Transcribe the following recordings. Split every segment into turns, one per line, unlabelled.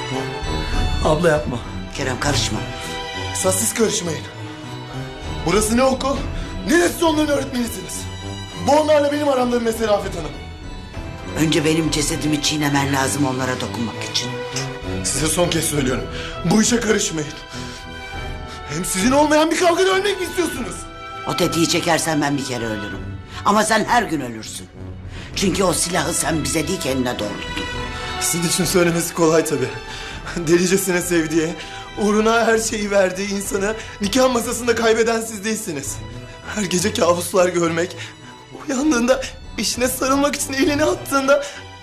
Abla yapma.
Kerem karışma.
Esas siz karışmayın. Burası ne okul? Neresi onların öğretmenisiniz? Bu onlarla benim aramda bir mesele Afet Hanım.
Önce benim cesedimi çiğnemen lazım onlara dokunmak için.
Size son kez söylüyorum. Bu işe karışmayın. Hem sizin olmayan bir kavgada ölmek mi istiyorsunuz?
O tetiği çekersen ben bir kere ölürüm. Ama sen her gün ölürsün. Çünkü o silahı sen bize değil kendine doğrulttun.
Sizin için söylemesi kolay tabii. Delicesine sevdiği, uğruna her şeyi verdiği insanı nikah masasında kaybeden siz değilsiniz. Her gece kabuslar görmek, uyandığında eşine sarılmak için elini attığında...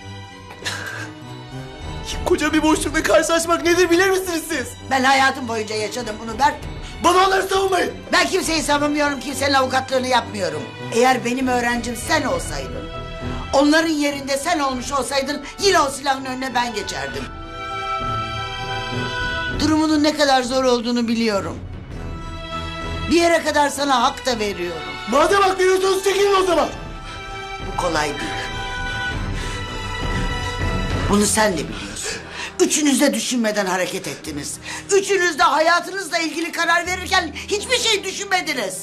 koca bir boşlukla karşılaşmak nedir bilir misiniz siz?
Ben hayatım boyunca yaşadım bunu Berk.
Bana onları savunmayın.
Ben kimseyi savunmuyorum, kimsenin avukatlığını yapmıyorum. Eğer benim öğrencim sen olsaydın, onların yerinde sen olmuş olsaydın yine o silahın önüne ben geçerdim. Durumunun ne kadar zor olduğunu biliyorum. Bir yere kadar sana hak da veriyorum.
Madem hak veriyorsanız çekilin o zaman.
Bu kolay değil. Bunu sen de biliyorsun. Üçünüz de düşünmeden hareket ettiniz. Üçünüz de hayatınızla ilgili karar verirken hiçbir şey düşünmediniz.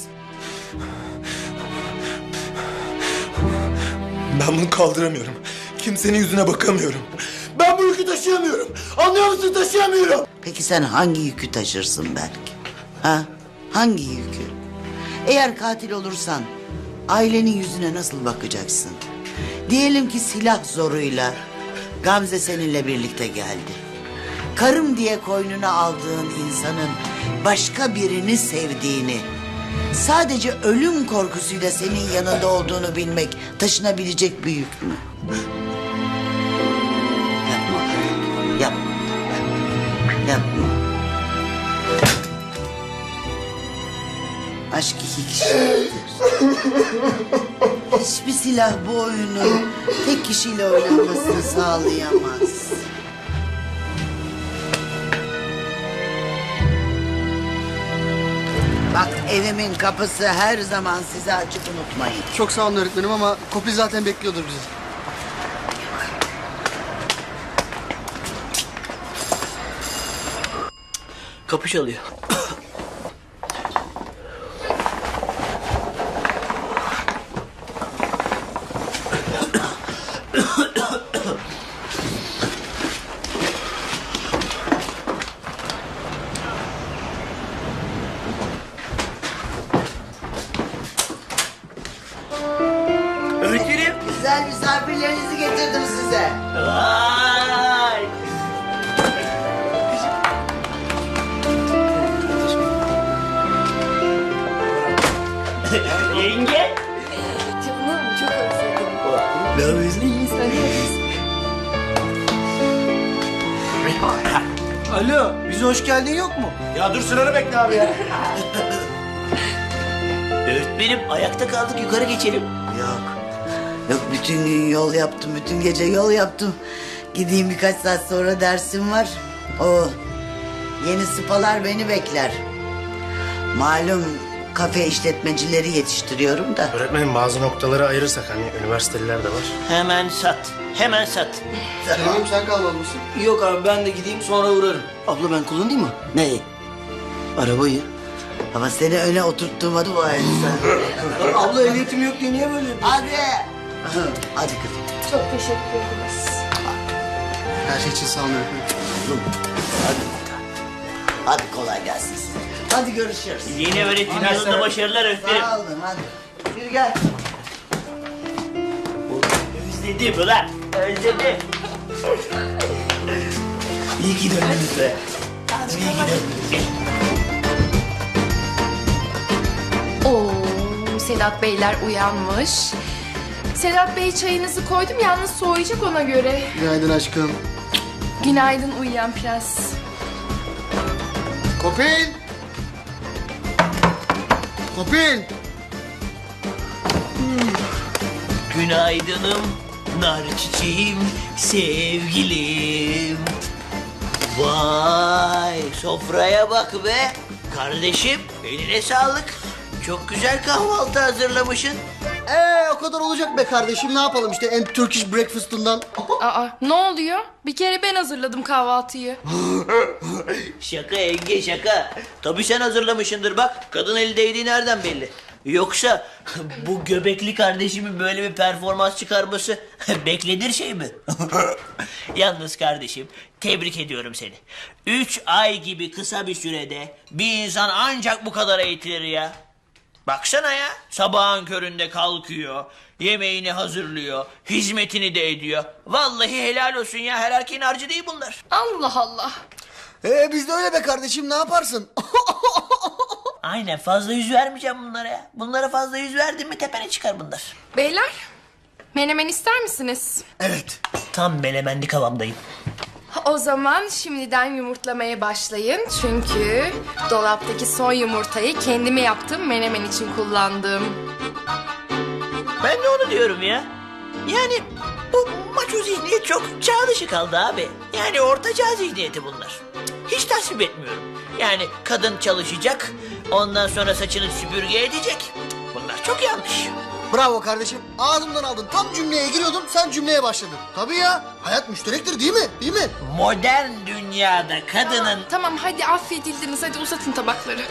Ben bunu kaldıramıyorum. Kimsenin yüzüne bakamıyorum. Ben bu yükü taşıyamıyorum. Anlıyor musun, taşıyamıyorum.
Peki sen hangi yükü taşırsın belki? Ha? Hangi yükü? Eğer katil olursan ailenin yüzüne nasıl bakacaksın? Diyelim ki silah zoruyla Gamze seninle birlikte geldi. Karım diye koynuna aldığın insanın başka birini sevdiğini, sadece ölüm korkusuyla senin yanında olduğunu bilmek taşınabilecek bir yük mü? Yapma. Yapma. Yapma. Aşk iki kişidir. Hiçbir silah bu oyunu tek kişiyle oynanmasını sağlayamaz. Bak evimin kapısı her zaman size açık, unutmayın.
Çok sağ olun öğretmenim ama Kopil zaten bekliyordur bizi. Kapı çalıyor.
Öğretmenim.
Güzel misafirlerinizi getirdim size.
Vay. Yenge.
Canım çok özledim.
Ne yapıyorsun?
Alo, bize hoş geldin yok mu?
Ya dur, sıranı bekle abi ya.
Öğretmenim ayakta kaldık, yukarı geçelim.
Yok. Yok, bütün gün yol yaptım, bütün gece yol yaptım. Gideyim, birkaç saat sonra dersim var. O yeni sıpalar beni bekler. Malum kafe işletmecileri yetiştiriyorum da.
Öğretmenim bazı noktaları ayırırsak hani üniversiteliler de var.
Hemen sat. Hemen sat.
Kerem'im sen kalmalı mısın? Yok abi ben de gideyim sonra uğrarım. Abla ben kullanayım mı?
Neyi?
Arabayı.
Ama seni öne oturttuğuma dua et sen.
Abla ehliyetim yok diye niye böyle yapıyorsun?
Hadi. Hadi kızım.
Çok teşekkür ederiz.
Her şey için sağ olun öğretmenim.
Hadi kolay gelsin size. Hadi görüşürüz.
Yeni öğretim yılında başarılar öğretmenim.
Sağ olun, hadi. Yürü gel.
Özledim ulan. Özledim. İyi ki döndünüz be. İyi ki döndünüz.
Oo, Sedat Beyler uyanmış. Sedat Bey çayınızı koydum yalnız soğuyacak ona göre.
Günaydın aşkım.
Günaydın uyuyan prens.
Kopil! Kopil!
Günaydınım, nar çiçeğim, sevgilim. Vay, sofraya bak be. Kardeşim, eline sağlık. Çok güzel kahvaltı hazırlamışsın. O kadar olacak be kardeşim. Ne yapalım işte en Turkish breakfast'ından.
Aa, ne oluyor? Bir kere ben hazırladım kahvaltıyı.
Şaka yenge şaka. Tabii sen hazırlamışsındır bak. Kadın eli değdiği nereden belli? Yoksa bu göbekli kardeşimin böyle bir performans çıkarması beklenir şey mi? Yalnız kardeşim tebrik ediyorum seni. 3 ay gibi kısa bir sürede bir insan ancak bu kadar eğitilir ya. Baksana ya, sabahın köründe kalkıyor, yemeğini hazırlıyor, hizmetini de ediyor. Vallahi helal olsun ya, her erkeğin harcı değil bunlar.
Allah Allah.
Biz de öyle be kardeşim, ne yaparsın?
Aynen, fazla yüz vermeyeceğim bunlara ya. Bunlara fazla yüz verdin mi tepene çıkar bunlar.
Beyler, menemen ister misiniz?
Evet.
Tam melemenli kıvamdayım.
O zaman şimdiden yumurtlamaya başlayın. Çünkü dolaptaki son yumurtayı kendime yaptığım menemen için kullandım.
Ben de onu diyorum ya. Yani bu maço zihniyet çok çağ dışı kaldı abi. Yani orta çağ zihniyeti bunlar. Hiç tasvip etmiyorum. Yani kadın çalışacak, ondan sonra saçını süpürge edecek. Bunlar çok yanlış.
Bravo kardeşim. Ağzımdan aldın. Tam cümleye giriyordum, sen cümleye başladın. Tabii ya. Hayat müşterektir değil mi? Değil mi?
Modern dünyada kadının...
Tamam hadi affedildiniz. Hadi uzatın tabakları.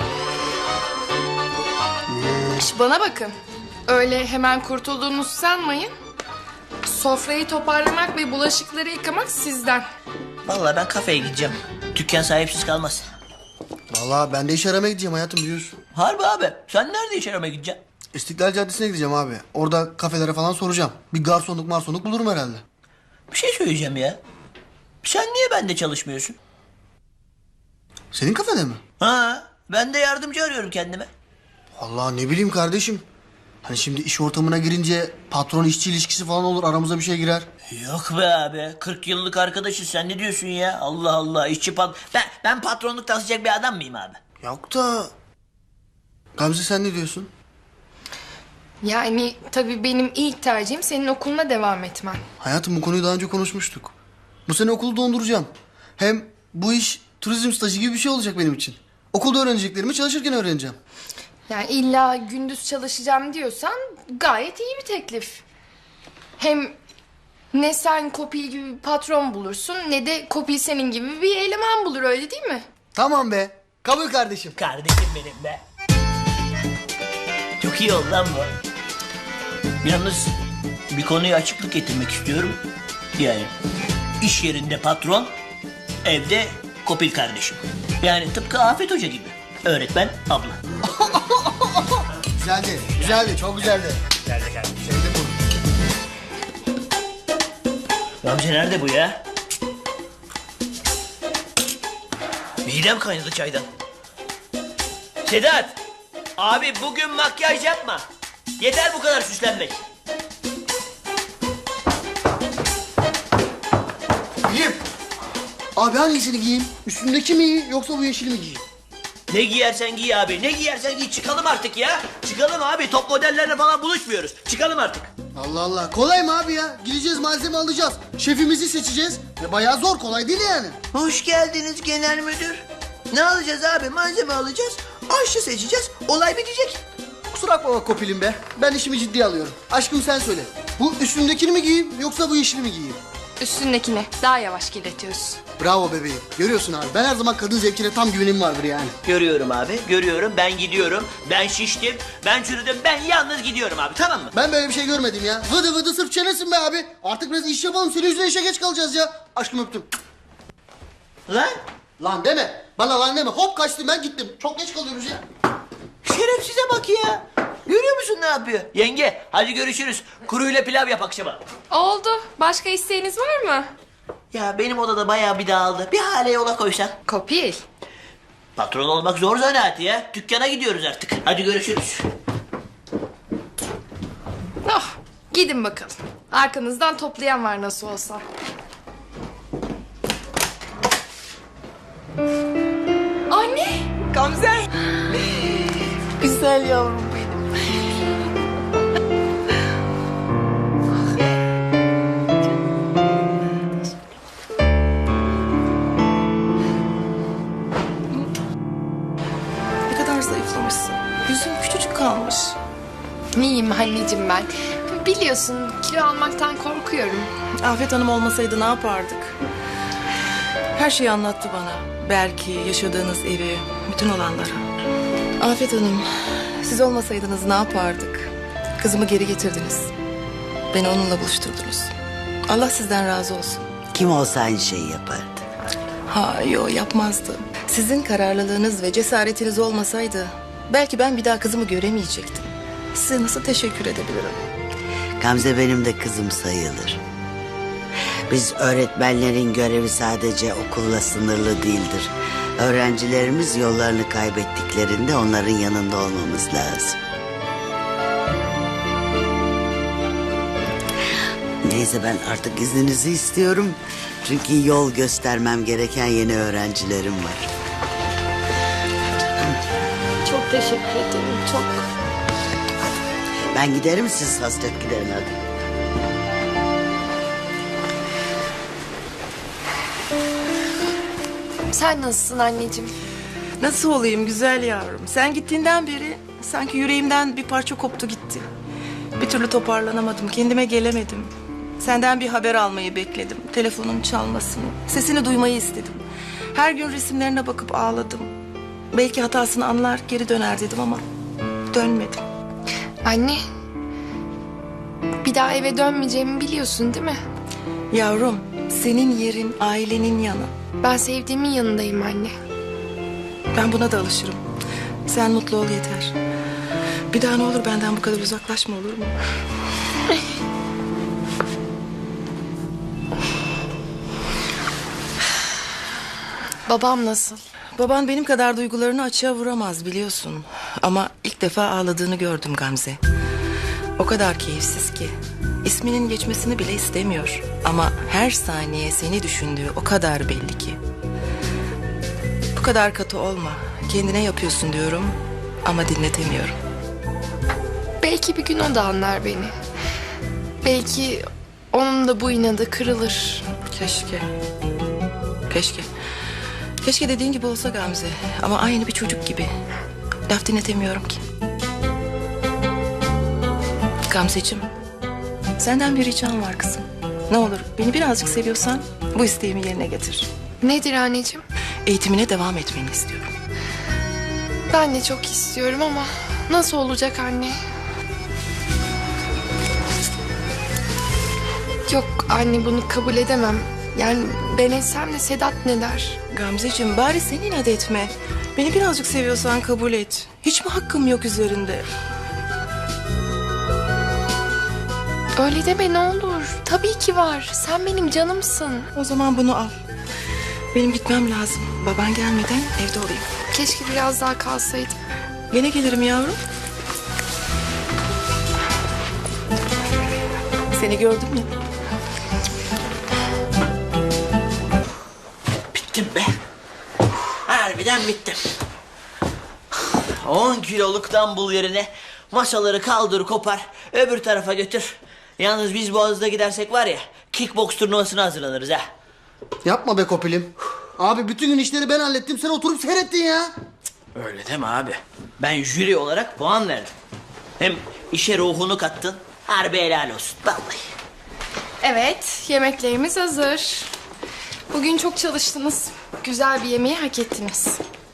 Bana bakın. Öyle hemen kurtulduğunuzu sanmayın. Sofrayı toparlamak ve bulaşıkları yıkamak sizden.
Vallahi ben kafeye gideceğim. Dükkan sahipsiz kalmaz.
Vallahi ben de iş aramaya gideceğim hayatım, biliyorsun.
Harbi abi, sen nerede iş aramaya gideceksin?
İstiklal Caddesi'ne gideceğim abi. Orada kafelere falan soracağım. Bir garsonluk bulurum herhalde.
Bir şey söyleyeceğim ya. Sen niye bende çalışmıyorsun?
Senin kafede mi?
Ha, ben de yardımcı arıyorum kendime.
Vallahi ne bileyim kardeşim. Hani şimdi iş ortamına girince patron işçi ilişkisi falan olur, aramıza bir şey girer.
Yok be abi, 40 yıllık arkadaşız, sen ne diyorsun ya? Allah Allah, işçi ben patronluk taslayacak bir adam mıyım abi?
Yok da... Gamze sen ne diyorsun?
Yani tabii benim ilk tercihim senin okuluna devam etmen.
Hayatım, bu konuyu daha önce konuşmuştuk. Bu sene okulu donduracağım. Hem bu iş turizm stajı gibi bir şey olacak benim için. Okulda öğreneceklerimi çalışırken öğreneceğim.
Yani illa gündüz çalışacağım diyorsan gayet iyi bir teklif. Hem ne sen Kopil gibi bir patron bulursun ne de Kopil senin gibi bir eleman bulur, öyle değil mi?
Tamam be. Kabul kardeşim.
Kardeşim benim be. Çok iyi oldu lan bu. Yalnız bir konuya açıklık getirmek istiyorum. Yani iş yerinde patron, evde Kopil kardeşim. Yani tıpkı Afet Hoca gibi. Öğretmen abla.
Güzeldi, çok güzeldi.
Geldi geldi.
Sevdim bunu.
Gamze nerede bu ya? Midem kaynadı çaydan. Sedat! Abi bugün makyaj yapma. Yeter bu kadar süslenmek.
Giyeyim. Abi hangisini giyeyim? Üstündeki mi iyi yoksa bu yeşili mi giyeyim?
Ne giyersen giy abi. Ne giyersen giy. Çıkalım artık ya. Çıkalım abi. Top modellerle falan buluşmuyoruz. Çıkalım artık.
Allah Allah. Kolay mı abi ya? Gideceğiz, malzeme alacağız. Şefimizi seçeceğiz. Ve bayağı zor, kolay değil yani.
Hoş geldiniz genel müdür. Ne alacağız abi? Malzeme alacağız. Aşçı seçeceğiz. Olay bitecek.
Kusura bakma Kopilim be. Ben işimi ciddiye alıyorum. Aşkım sen söyle. Bu üstündekini mi giyeyim yoksa bu yeşili mi giyeyim?
Üstündekini daha yavaş kirletiyoruz.
Bravo bebeğim. Görüyorsun abi. Ben her zaman kadın zevkine tam güvenim vardır yani.
Görüyorum abi. Görüyorum. Ben gidiyorum. Ben şiştim. Ben çürüdüm. Ben yalnız gidiyorum abi. Tamam mı?
Ben böyle bir şey görmedim ya. Vıdı vıdı sırf çenesin be abi. Artık biraz iş yapalım. Senin yüzüne işe geç kalacağız ya. Aşkım öptüm.
Lan.
Lan deme. Bana lan deme. Hop kaçtım, ben gittim. Çok geç kalıyoruz ya.
Şerefsize bak ya. Görüyor musun ne yapıyor? Yenge hadi görüşürüz. Kuruyla pilav yap akşama.
Oldu. Başka isteğiniz var mı?
Ya benim odada bayağı bir dağıldı. Bir hale yola koysan.
Kopil.
Patron olmak zor zanaat ya. Dükkana gidiyoruz artık. Hadi görüşürüz.
Oh, gidin bakalım. Arkanızdan toplayan var nasıl olsa. Anne!
Gamze. Güzel yavrum benim.
Ne kadar zayıflamışsın. Yüzün küçücük kalmış. İyiyim anneciğim ben. Biliyorsun kilo almaktan korkuyorum.
Afet Hanım olmasaydı ne yapardık? Her şeyi anlattı bana. Belki yaşadığınız evi, bütün olanları. Afet Hanım, siz olmasaydınız ne yapardık? Kızımı geri getirdiniz. Beni onunla buluşturdunuz. Allah sizden razı olsun.
Kim olsa aynı şeyi yapardı.
Yapmazdı. Sizin kararlılığınız ve cesaretiniz olmasaydı belki ben bir daha kızımı göremeyecektim. Size nasıl teşekkür edebilirim?
Gamze benim de kızım sayılır. Biz öğretmenlerin görevi sadece okulla sınırlı değildir. Öğrencilerimiz yollarını kaybettiklerinde onların yanında olmamız lazım. Neyse ben artık izninizi istiyorum. Çünkü yol göstermem gereken yeni öğrencilerim var.
Çok teşekkür ederim. Çok.
Ben giderim, siz hasret giderin hadi.
Sen nasılsın anneciğim?
Nasıl olayım güzel yavrum? Sen gittiğinden beri sanki yüreğimden bir parça koptu gitti. Bir türlü toparlanamadım, kendime gelemedim. Senden bir haber almayı bekledim. Telefonun çalmasını, sesini duymayı istedim. Her gün resimlerine bakıp ağladım. Belki hatasını anlar, geri döner dedim ama dönmedim.
Anne. Bir daha eve dönmeyeceğimi biliyorsun değil mi?
Yavrum, senin yerin ailenin yanı.
Ben sevdiğimin yanındayım anne.
Ben buna da alışırım. Sen mutlu ol yeter. Bir daha ne olur benden bu kadar uzaklaşma, olur mu?
Babam nasıl?
Baban benim kadar duygularını açığa vuramaz biliyorsun. Ama ilk defa ağladığını gördüm Gamze. O kadar keyifsiz ki. İsminin geçmesini bile istemiyor. Ama her saniye seni düşündüğü o kadar belli ki. Bu kadar katı olma. Kendine yapıyorsun diyorum ama dinletemiyorum.
Belki bir gün o da anlar beni. Belki onun da bu inadı kırılır.
Keşke. Keşke. Keşke dediğin gibi olsa Gamze. Ama aynı bir çocuk gibi. Laf dinletemiyorum ki. Gamzeciğim. Senden bir ricam var kızım. Ne olur beni birazcık seviyorsan bu isteğimi yerine getir.
Nedir anneciğim?
Eğitimine devam etmeni istiyorum.
Ben de çok istiyorum ama nasıl olacak anne? Yok anne, bunu kabul edemem. Yani ben etsem de Sedat ne der?
Gamzeciğim bari sen inat etme. Beni birazcık seviyorsan kabul et. Hiç mi hakkım yok üzerinde?
Öyle deme ne olur. Tabii ki var. Sen benim canımsın.
O zaman bunu al. Benim gitmem lazım. Baban gelmeden evde olayım.
Keşke biraz daha kalsaydım.
Gene gelirim yavrum. Seni gördüm ya.
Bittim be. Harbiden bittim. 10 kiloluk dumbbell yerine masaları kaldır kopar öbür tarafa götür. Yalnız biz Boğaz'da gidersek var ya kickbox turnuvasına hazırlanırız ha.
Yapma be Kopilim. Abi bütün gün işleri ben hallettim. Sen oturup seyrettin ya.
Öyle deme abi. Ben jüri olarak puan verdim. Hem işe ruhunu kattın. Harbi helal olsun vallahi.
Evet, yemeklerimiz hazır. Bugün çok çalıştınız. Güzel bir yemeği hak ettiniz.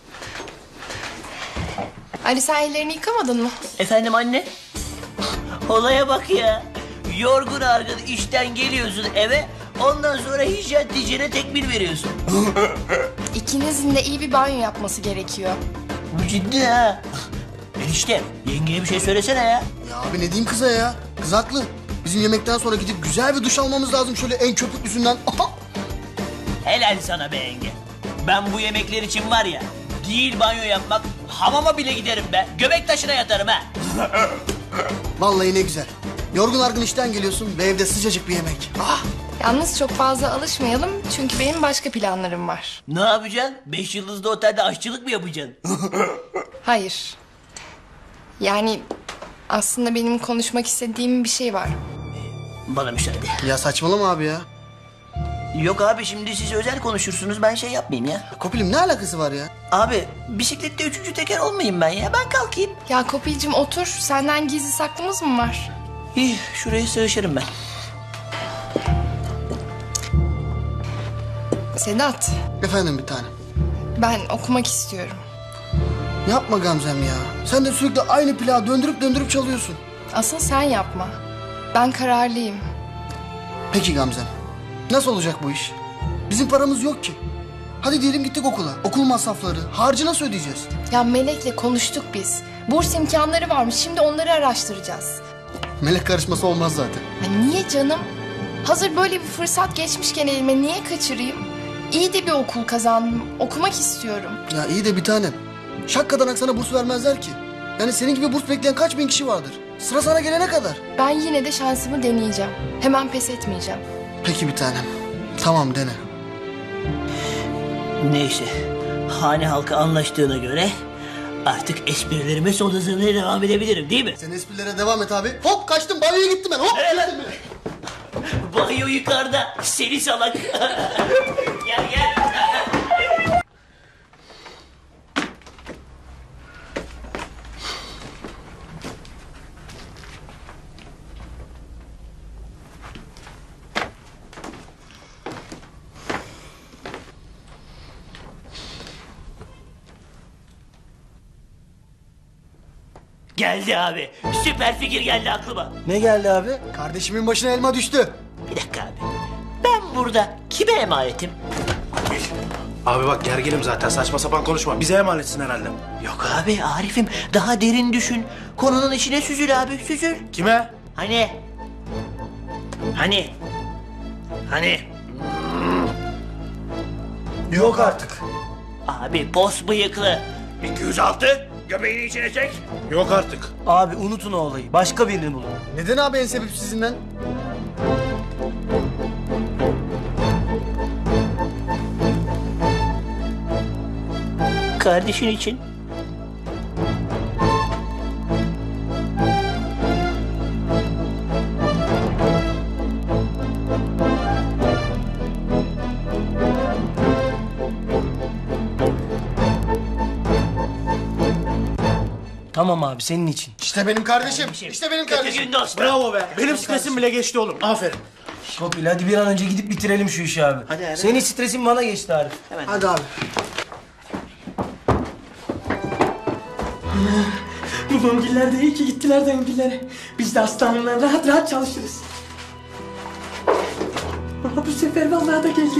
Ali sen ellerini yıkamadın mı?
Efendim anne? Olaya bak ya. Yorgun argın işten geliyorsun eve. Ondan sonra hijyen diyeceğine tekmil veriyorsun.
İkinizin de iyi bir banyo yapması gerekiyor.
Bu ciddi ha. Enişte yengeye bir şey söylesene ya.
Ya abi ne diyeyim kıza ya? Kız haklı. Bizim yemekten sonra gidip güzel bir duş almamız lazım şöyle en köpüklüsünden. Aha!
Helal sana be yenge. Ben bu yemekler için var ya, değil banyo yapmak, hamama bile giderim be. Göbek taşına yatarım ha.
Vallahi ne güzel. Yorgun argın işten geliyorsun ve evde sıcacık bir yemek. Ah!
Yalnız çok fazla alışmayalım çünkü benim başka planlarım var.
Ne yapacaksın? 5 yıldızlı otelde aşçılık mı yapacaksın?
Hayır. Yani aslında benim konuşmak istediğim bir şey var.
Bana müsaade.
Ya saçmalama abi ya.
Yok abi şimdi siz özel konuşursunuz ben şey yapmayayım ya.
Kopilim ne alakası var ya?
Abi bisiklette 3. teker olmayayım ben ya. Ben kalkayım.
Ya Kopil'cim otur. Senden gizli saklımız mı var?
İyi, şuraya sığışırım ben.
Sedat,
Efendim bir tanem.
ben okumak istiyorum.
Yapma Gamzem ya. Sen de sürekli aynı plağı döndürüp döndürüp çalıyorsun.
Asıl sen yapma. Ben kararlıyım.
Peki Gamzem. Nasıl olacak bu iş? Bizim paramız yok ki. Hadi diyelim gittik okula. Okul masrafları, harcı nasıl ödeyeceğiz?
Ya Melek'le konuştuk biz. Burs imkanları varmış. Şimdi onları araştıracağız.
Melek karışması olmaz zaten.
Ya niye canım? Hazır böyle bir fırsat geçmişken elime niye kaçırayım? İyi de bir okul kazandım. Okumak istiyorum.
Ya iyi de bir tanem. Şakkadan sana burs vermezler ki. Yani senin gibi burs bekleyen kaç bin kişi vardır? Sıra sana gelene kadar.
Ben yine de şansımı deneyeceğim. Hemen pes etmeyeceğim.
Peki bir tanem. Tamam dene.
Neyse. Hane halkı anlaştığına göre artık esprilerime son hızıyla devam edebilirim değil mi?
Sen esprilere devam et abi. Hop kaçtım banyoya gittim ben hop.
Nereye lan?
Gittim bile.
Banyo yukarıda. Seni salak. Gel gel. Geldi abi. Süper fikir geldi aklıma.
Ne geldi abi? Kardeşimin başına elma düştü.
Bir dakika abi. Ben burada kime emanetim?
Abi bak gerginim zaten, saçma sapan konuşma. Bize emanetsin herhalde.
Yok abi Arif'im daha derin düşün. Konunun içine süzül abi süzül.
Kime?
Hani? Hani?
Yok artık.
Abi pos bıyıklı. 206 göbeğini içine çek.
Yok artık.
Abi unutun o olayı. Başka birini bulun.
Neden abi en sebepsizinden?
Kardeşin için.
Tamam abi senin için.
İşte benim kardeşim. İşte benim
Kötü
kardeşim.
gün dostum.
Bravo be. Benim stresim bile geçti oğlum. Aferin.
Kopil hadi bir an önce gidip bitirelim şu işi abi.
Hadi abi.
Senin stresin bana geçti Arif.
Hadi abi.
Bu döngüller de iyi ki gittiler döngüllere. Biz de hastaneden rahat rahat çalışırız. Ama bu sefer vallahi da geldi.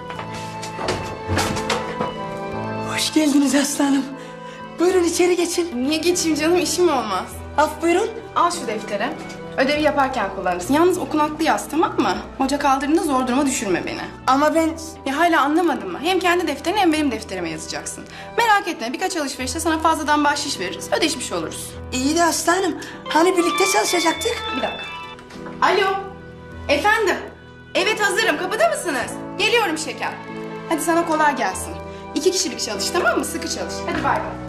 Hoş geldiniz aslanım. Buyurun içeri geçin.
Niye geçeyim canım, işim olmaz.
Af buyurun.
Al şu defteri. Ödevi yaparken kullanırsın. Yalnız okunaklı yaz, tamam mı? Hoca kaldırdığında zor duruma düşürme beni.
Ama ben...
Ya hala anlamadın mı? Hem kendi defterine hem benim defterime yazacaksın. Merak etme, birkaç alışverişte sana fazladan bahşiş veririz. Ödeşmiş oluruz.
İyi de aslanım. Hani birlikte çalışacaktık?
Bir dakika. Alo. Efendim. Evet hazırım. Kapıda mısınız? Geliyorum şeker. Hadi sana kolay gelsin. 2 kişilik çalış, tamam mı? Sıkı çalış. Hadi bay bay.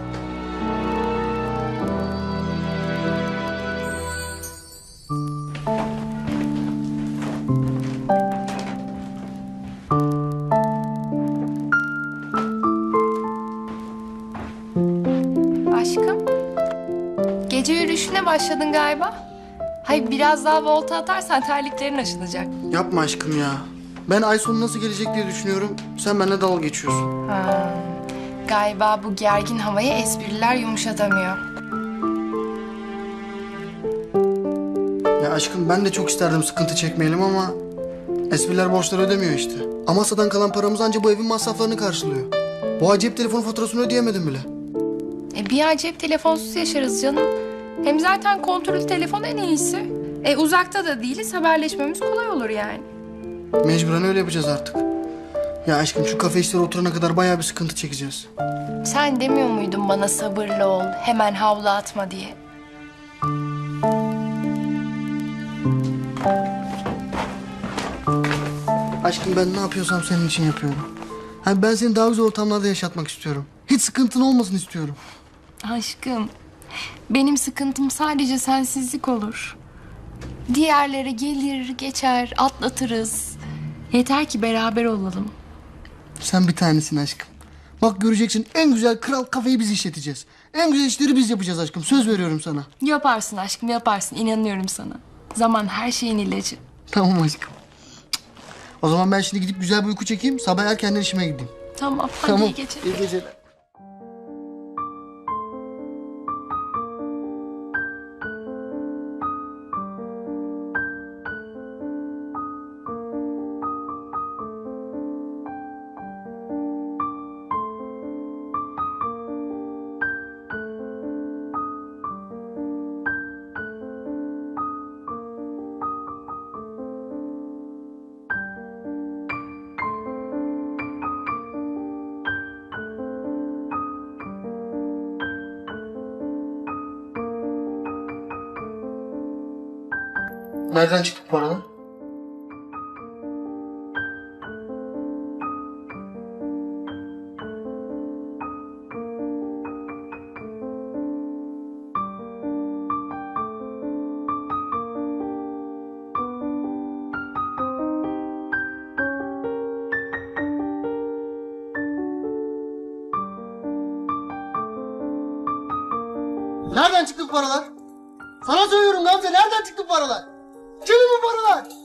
Aşkım, gece yürüyüşüne başladın galiba. Hayır biraz daha volta atarsan terliklerin aşınacak.
Yapma aşkım ya. Ben ay sonu nasıl gelecek diye düşünüyorum. Sen benimle dalga geçiyorsun.
Galiba bu gergin havayı espriler yumuşatamıyor.
Ya aşkım ben de çok isterdim sıkıntı çekmeyelim ama... espriler borçları ödemiyor işte. Amasya'dan kalan paramız anca bu evin masraflarını karşılıyor. Bu ay cep telefonu faturasını ödeyemedim bile.
Bir ay cep telefonsuz yaşarız canım. Hem zaten kontrollü telefon en iyisi. Uzakta da değiliz, haberleşmemiz kolay olur yani.
Mecburen öyle yapacağız artık. Ya aşkım şu kafe işleri oturana kadar bayağı bir sıkıntı çekeceğiz.
Sen demiyor muydun bana sabırlı ol, hemen havlu atma diye?
Aşkım ben ne yapıyorsam senin için yapıyorum. Hani ben seni daha güzel ortamlarda yaşatmak istiyorum. Hiç sıkıntın olmasın istiyorum.
Aşkım, benim sıkıntım sadece sensizlik olur. Diğerlere gelir, geçer, atlatırız. Yeter ki beraber olalım.
Sen bir tanesin aşkım. Bak göreceksin, en güzel kral kafeyi biz işleteceğiz. En güzel işleri biz yapacağız aşkım. Söz veriyorum sana.
Yaparsın aşkım, yaparsın. İnanıyorum sana. Zaman her şeyin ilacı.
Tamam aşkım. O zaman ben şimdi gidip güzel bir uyku çekeyim. Sabah erkenden işime gideyim.
Tamam, hadi iyi geceler.
İyi geceler. Nereden çıktı bu paralar? Nereden çıktı bu paralar? Sana söylüyorum Gamze, nereden çıktı bu paralar? Kimin bu paralar?